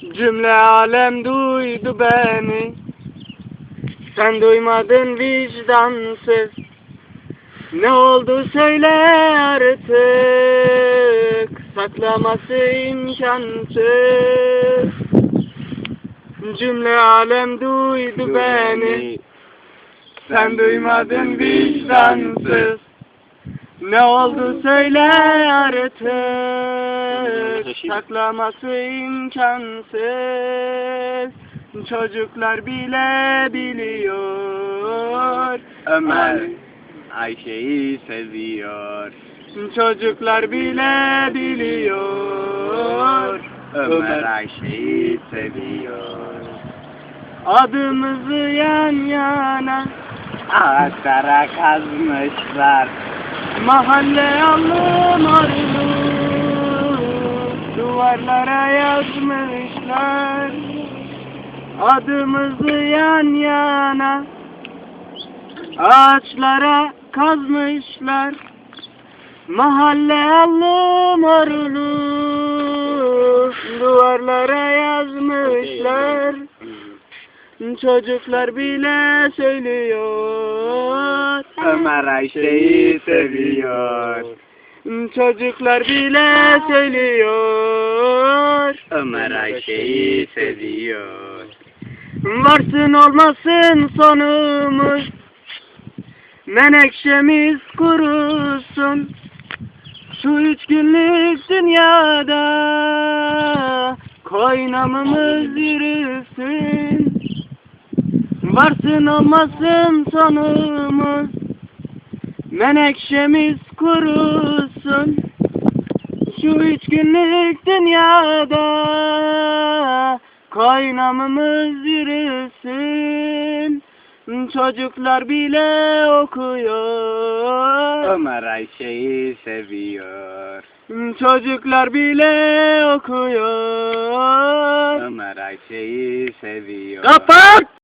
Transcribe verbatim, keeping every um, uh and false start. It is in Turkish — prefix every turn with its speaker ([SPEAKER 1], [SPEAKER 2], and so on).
[SPEAKER 1] Cümle alem duydu beni, sen duymadın vicdansız. Ne oldu söyle artık, saklaması imkansız. Cümle alem duydu beni, sen duymadın vicdansız. Ne oldu söyle artık, saklaması imkansız. Çocuklar bile biliyor,
[SPEAKER 2] Ömer Ayşe'yi seviyor.
[SPEAKER 1] Çocuklar bile biliyor,
[SPEAKER 2] Ömer Ayşe'yi seviyor.
[SPEAKER 1] adımızı yan yana
[SPEAKER 2] Ağaçlara kazmışlar.
[SPEAKER 1] mahalle alım arılı duvarlara yazmışlar. Adımızı yan yana ağaçlara kazmışlar. Mahalle alım arılı duvarlara yazmışlar. Çocuklar bile söylüyor,
[SPEAKER 2] Ömer Ayşe'yi seviyor.
[SPEAKER 1] Çocuklar bile söylüyor,
[SPEAKER 2] Ömer Ayşe'yi seviyor.
[SPEAKER 1] varsın olmasın sonumuz, menekşemiz kurusun. Şu üç günlük dünyada koynamımız yürüsün. Varsın olmasın sonumuz, menekşemiz kurusun. Şu üç günlük dünyada koynamımız yürüsün. Çocuklar bile okuyor,
[SPEAKER 2] Ömer Ayşe'yi seviyor.
[SPEAKER 1] Çocuklar bile okuyor.
[SPEAKER 2] Ömer Ayşe'yi seviyor.
[SPEAKER 1] Kapat!